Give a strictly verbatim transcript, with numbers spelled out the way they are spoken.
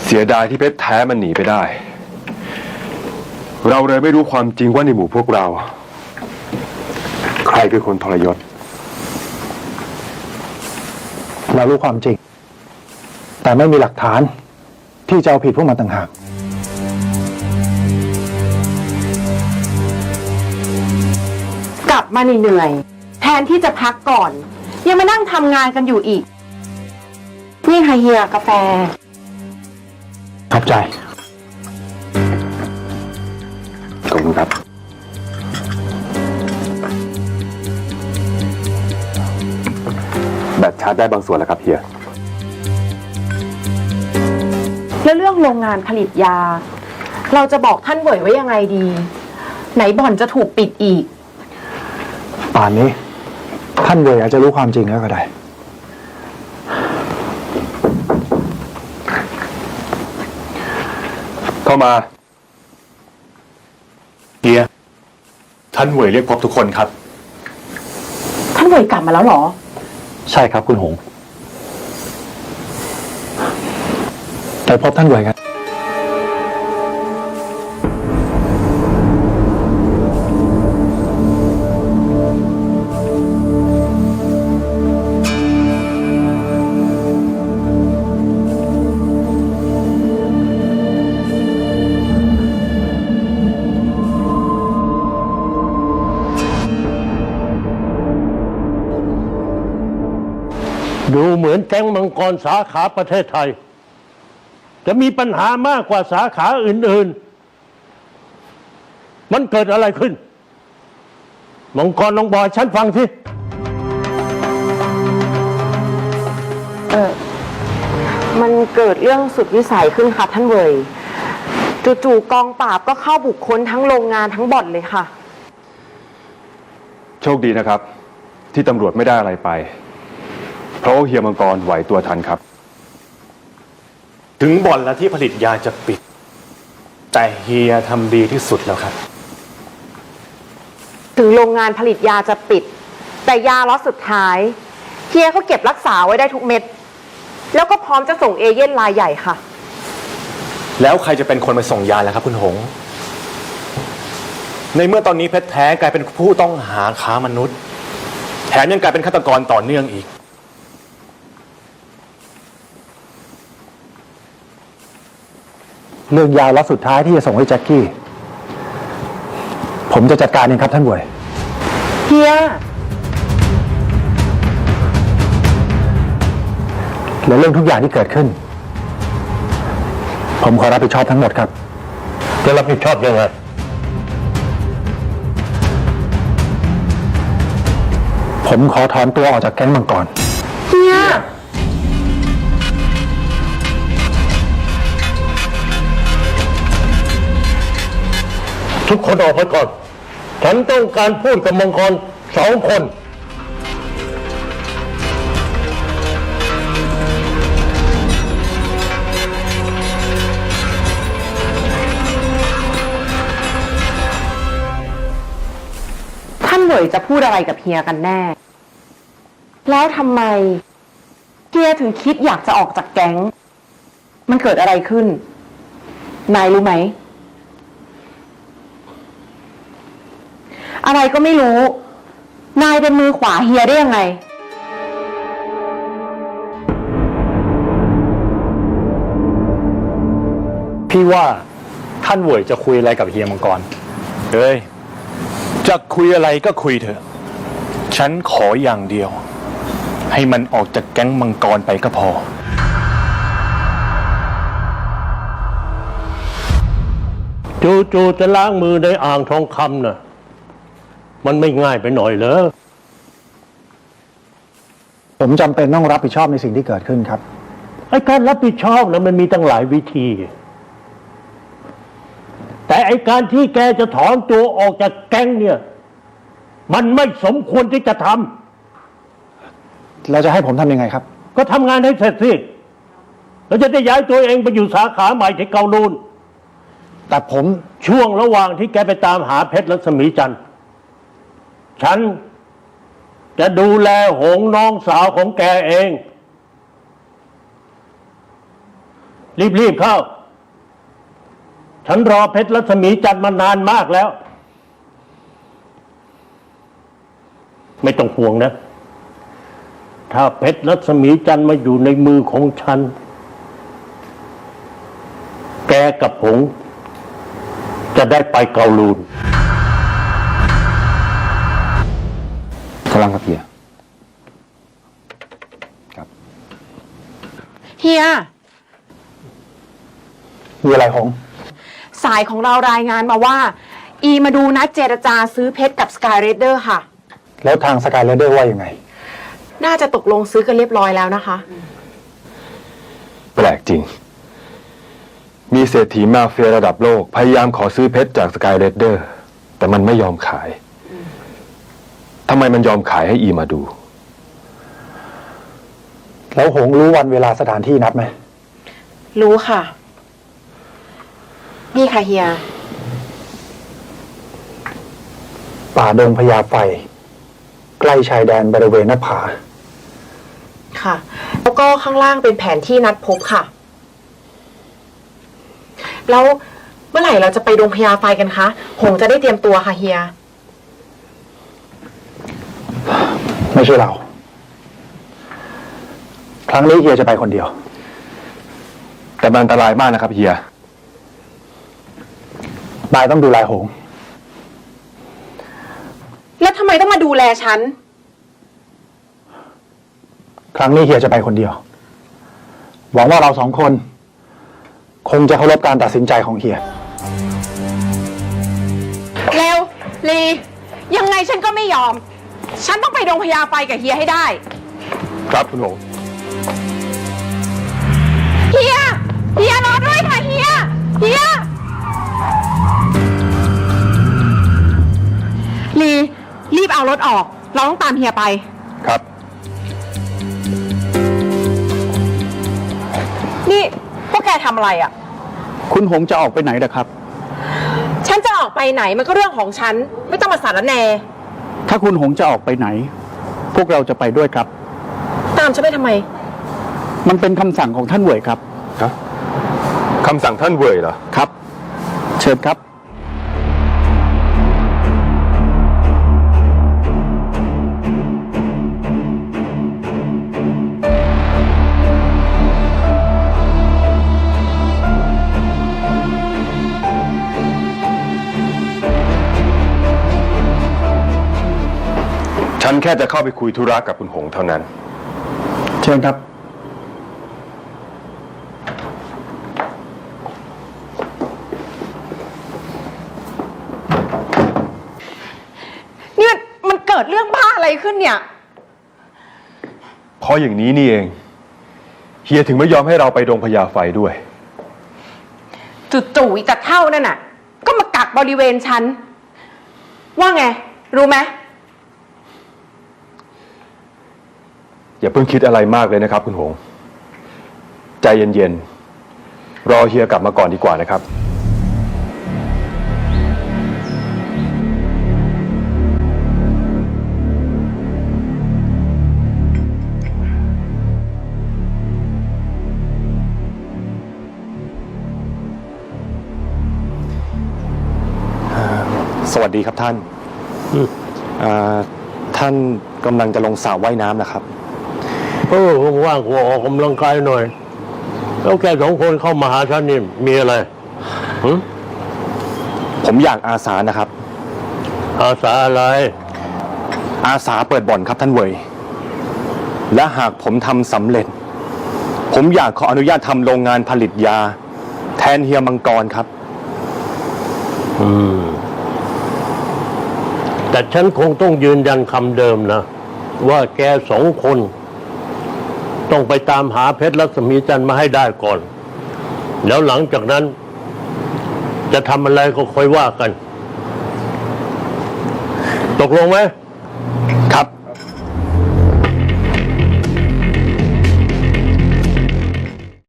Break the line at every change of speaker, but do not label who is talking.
เสียดายที่เพชรแท้มันหนีไปได้เราเลยไม่รู้ความจริงว่าในหมู่พวกเราใครคือคนทรยศ
เรารู้ความจริงแต่ไม่มีหลักฐานที่จะเอาผิดพวกมันต่างหาก
กลับมาเหนื่อยแทนที่จะพักก่อนยังมานั่งทำงานกันอยู่อีกนี่ค่ะเฮียกาแฟ
ขอบใจ
ขอบคุณครับแบตชาร์จได้บางส่วนแล้วครับเฮีย
แล้วเรื่องโรงงานผลิตยาเราจะบอกท่านเหวยไว้ยังไงดีไหนบ่อนจะถูกปิดอีก
ป่านนี้ท่านเหวยอาจจะรู้ความจริงแล้วก็ได้
เข้ามาเฮียท่านเหวยเรียกพบทุกคนครับ
ท่านเหวยกลับมาแล้วเหรอ
ใช่ครับคุณหงไปพบท่านเหวยกัน
ดูเหมือนแก๊งมังกรสาขาประเทศไทยจะมีปัญหามากกว่าสาขาอื่นๆมันเกิดอะไรขึ้นมังกรลองบอกฉันฟังสิ
เออมันเกิดเรื่องสุดวิสัยขึ้นค่ะท่านเหวยจู่ๆกองปราบก็เข้าบุกค้นทั้งโรงงานทั้งบ่อนเลยค่ะ
โชคดีนะครับที่ตำรวจไม่ได้อะไรไปเพราะเฮียมังกรไหวตัวทันครับ
ถึงบ่อนและที่ผลิตยาจะปิดแต่เฮียทำดีที่สุดแล้วครับ
ถึงโรงงานผลิตยาจะปิดแต่ยาล็อตสุดท้ายเฮียเขาเก็บรักษาไว้ได้ทุกเม็ดแล้วก็พร้อมจะส่งเอเย่นรายใหญ่ค่ะ
แล้วใครจะเป็นคนไปส่งยาล่ะครับคุณหงในเมื่อตอนนี้เพชรแท้กลายเป็นผู้ต้องหาค้ามนุษย์แถมยังกลายเป็นฆาตกรต่อเนื่องอีก
เรื่องยาล็อตสุดท้ายที่จะส่งให้แจ็คกี้ผมจะจัดการเองครับท่านเหวย
เฮีย
และเรื่องทุกอย่างที่เกิดขึ้นผมขอรับผิดชอบทั้งหมดครับ
จะรับผิดชอบยังไง
ผมขอถอนตัวออกจากแก๊งมังกร
เฮีย
ทุกคนออกไปก่อนฉันต้องการพูดกับมังกรสองคน
ท่านเหวยจะพูดอะไรกับเฮียกันแน่แล้วทำไมเฮียถึงคิดอยากจะออกจากแก๊งมันเกิดอะไรขึ้นนายรู้ไหมอะไรก็ไม่รู้นายเป็นมือขวาเฮียได้ยังไง
พี่ว่าท่านเหวยจะคุยอะไรกับเฮียมังกรเฮ้ยจะคุยอะไรก็คุยเถอะฉันขออย่างเดียวให้มันออกจากแก๊งมังกรไปก็พอ
จู่ๆจะล้างมือในอ่างทองคำน่ะมันไม่ง่ายไปหน่อยเหรอ
ผมจำเป็นต้องรับผิดชอบในสิ่งที่เกิดขึ้นครับ
ไอ้การรับผิดชอบนะมันมีตั้งหลายวิธีแต่ไอ้การที่แกจะถอนตัวออกจากแก๊งเนี่ยมันไม่สมควรที่จะท
ำแล้วจะให้ผมทำยังไงครับ
ก็ทำงานให้เสร็จสิแล้วจะได้ย้ายตัวเองไปอยู่สาขาใหม่ที่เกาลูน
แต่ผม
ช่วงระหว่างที่แกไปตามหาเพชรรัศมีจันทร์ฉันจะดูแลหงน้องสาวของแกเองรีบๆเข้า ฉันรอเพชรรัศมีจันทร์มานานมากแล้ว ไม่ต้องห่วงนะ ถ้าเพชรรัศมีจันทร์มาอยู่ในมือของฉัน แกกับผงจะได้ไปเกาลูน
กำลังครับเฮียครับ
เฮีย
มีอะไรหง
สายของเรารายงานมาว่า อีมาดูนัดเจรจาซื้อเพชรกับสกายเรดเดอร์ค่ะ
แล้วทางสกายเลเดอร์ว่ายังไง
น่าจะตกลงซื้อกันเรียบร้อยแล้วนะคะ
แปลกจริง มีเศรษฐีมาเฟียระดับโลก พยายามขอซื้อเพชรจากสกายเรดเดอร์แต่มันไม่ยอมขายทำไมมันยอมขายให้อีมาดู
แล้วหงรู้วันเวลาสถานที่นัดไหม
รู้ค่ะ นี่ค่ะเฮีย
ป่าดงพญาไฟ ใกล้ชายแดนบริเวณหน้าผา
ค่ะ แล้วก็ข้างล่างเป็นแผนที่นัดพบค่ะ แล้วเมื่อไหร่เราจะไปดงพญาไฟกันคะ หงจะได้เตรียมตัวค่ะเฮีย
ไม่ใช่เรา ครั้งนี้เฮียจะไปคนเดียว
แต่มันอันตรายมากนะครับเฮีย
นายต้องดูแลหง
แล้วทำไมต้องมาดูแลฉัน
ครั้งนี้เฮียจะไปคนเดียว หวังว่าเราสองคน คงจะเคารพการตัดสินใจของเฮีย
เร็วลี ยังไงฉันก็ไม่ยอม ฉันต้องไปดงพญาไฟกับเฮียให้ได้
ครับคุณหง
เฮีย เฮียรอด้วยค่ะเฮีย เฮีย ลี รีบเอารถออก เราต้องตามเฮียไป
ครับ
นี่พวกแกทำอะไรอ่ะ
คุณหงจะออกไปไหนนะครับ
ฉันจะออกไปไหนมันก็เรื่องของฉัน ไม่ต้องมาสารแหน
ถ้าคุณหงจะออกไปไหน พวกเราจะไปด้วยครับ
ตามฉันไปทำไม
มันเป็นคำสั่งของท่านเว่ยครับ
ฮะคำสั่งท่านเว่ยเหรอ
ครับ เชิญครับ
ฉันแค่จะเข้าไปคุยธุระกับคุณหงเท่านั้น
เชิญครับ
นี่มันมันเกิดเรื่องบ้าอะไรขึ้นเนี่ย
เพราะอย่างนี้นี่เอง เฮียถึงไม่ยอมให้เราไปดงพญาไฟด้วย
จู่ๆอีตาเท่านั่นน่ะ ก็มากักบริเวณฉัน ว่าไง รู้ไหม
อย่าเพิ่งคิดอะไรมากเลยนะครับคุณหง ใจเย็นๆ รอเฮียกลับมาก่อนดีกว่านะครับ
สวัสดีครับท่านอ่าท่านกำลังจะลงสระว่ายน้ำนะครับ
เออว่างๆกูออกกำลังกายหน่อย แล้วแกสองคนเข้ามาหาฉันนี่มีอะไรหึ
ผมอยากอาสานะครับ
อาสาอะไร
อาสาเปิดบ่อนครับท่านเวยและหากผมทำสำเร็จ ผมอยากขออนุญาตทำโรงงานผลิตยา แทนเฮียมังกรครับ
อืม แต่ฉันคงต้องยืนยันคำเดิมนะ ว่าแกสองคน ต้องไปตามหาเพชรรัศมีจันทร์มาให้ได้ก่อน แล้วหลังจากนั้น จะทำอะไรก็ค่อยว่ากัน ตกลงไหม